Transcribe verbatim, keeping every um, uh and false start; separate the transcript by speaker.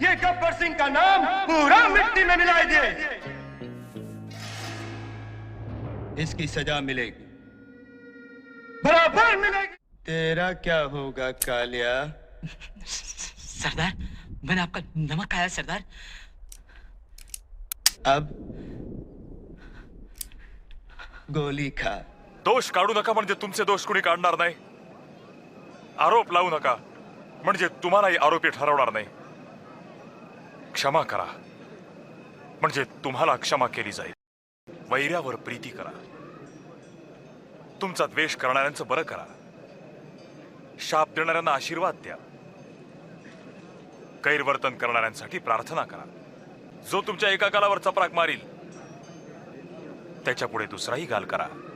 Speaker 1: ये गब्बर सिंह का नाम पूरा मिट्टी में मिला दे। इसकी सजा मिलेगी, बराबर मिलेगी। तेरा क्या होगा कालिया?
Speaker 2: सरदार, मैंने आपका नमक खाया सरदार।
Speaker 1: अब गोली खा।
Speaker 3: दोष काढू नका म्हणजे तुमचे दोष कोणी काढणार नाही. आरोप लावू नका म्हणजे तुम्हालाही आरोपी ठरवणार नाही. क्षमा करा म्हणजे तुम्हाला क्षमा केली जाईल. वैऱ्यावर प्रीती करा. तुमचा द्वेष करणाऱ्यांचं बरं करा. शाप देणाऱ्यांना आशीर्वाद द्या. गैरवर्तन करणाऱ्यांसाठी प्रार्थना करा. जो तुमच्या एका गालावर चपराक मारील त्याच्या पुढे दुसराही गाल करा.